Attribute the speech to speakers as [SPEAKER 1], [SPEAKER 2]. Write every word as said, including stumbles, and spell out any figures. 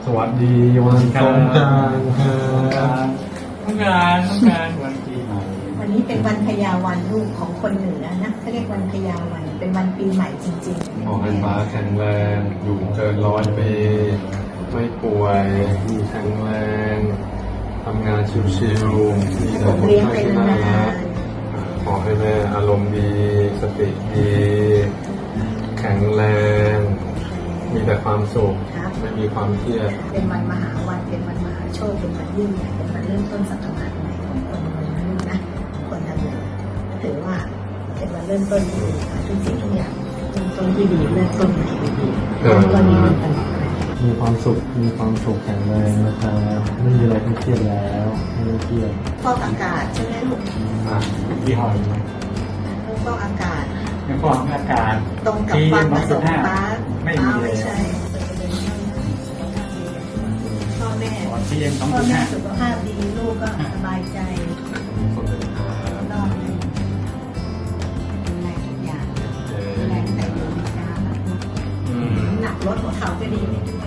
[SPEAKER 1] สวัสดีวันสงกรานต์ครับ
[SPEAKER 2] ต้องการต้องการวันปีใหม่
[SPEAKER 3] วันนี้เป็นวันพยาวันลูกของคนเหนือนะเขาเรียกวันพยาวันเป็นวันปีใหม่จริงๆ
[SPEAKER 1] ขอให้ฟ้าแข็งแรงอยู่เกินร้อยปีไม่ป่วยมีแข็งแรงทำงานชิวๆมีแต่คน
[SPEAKER 3] เลี้ยง
[SPEAKER 1] ไท
[SPEAKER 3] ไป
[SPEAKER 1] ยที่น่ารั
[SPEAKER 3] นาก น
[SPEAKER 1] ขอให้แม่อารมณ์ดีสติดีแข็งแรง มีแต่ความสุข
[SPEAKER 3] ๆครับ
[SPEAKER 1] ไม่มีความเครียด
[SPEAKER 3] เป็นวันมหาวันเป็นวันมหาโชคเป็นวันยิ่งใหญ่เป็นวันเริ่มต้นศตวรรษใหม่ของคนเมืองนะลูกนะคนทำงานถือว่าเป็นวันเริ่มต้นที่ดีค่ะทุกสิ่งทุกอย่างเริ่มต้นที่ดีเริ่มต้นใหม่ดีแล้วก็ดีมันตลอดไป
[SPEAKER 4] มีความสุข มีความสุขแข็งแรงนะครับไม่มีอะไรต้องเครียดแล้วไม่ต้องเครียด
[SPEAKER 3] ฟอกอากาศใช่ไหมลูก
[SPEAKER 1] อ่ะ
[SPEAKER 2] ยี่ห้อนี้
[SPEAKER 3] ลูกฟอกอากาศ
[SPEAKER 2] ยังฟอกอากาศ
[SPEAKER 3] ตรงกับความประสงค์ป้า
[SPEAKER 2] ไม่มี
[SPEAKER 3] ป้า
[SPEAKER 2] เล
[SPEAKER 3] ไม่
[SPEAKER 2] ย
[SPEAKER 3] ใช่พ่อแม่
[SPEAKER 2] ก่อนที่ยังสอง
[SPEAKER 3] พ่อ
[SPEAKER 2] จุด
[SPEAKER 3] แม่
[SPEAKER 2] ห้า
[SPEAKER 3] สุขภาพดีลูกก็สบายใจ
[SPEAKER 1] คนเป็นครับ
[SPEAKER 3] รอดเลยดูแลทุกอย่างดูแลตั้งแต่อยู่ในน้ำนะ
[SPEAKER 1] อืม
[SPEAKER 3] น้ำหนักลดหัวเข่าก็ดีไม่ทุก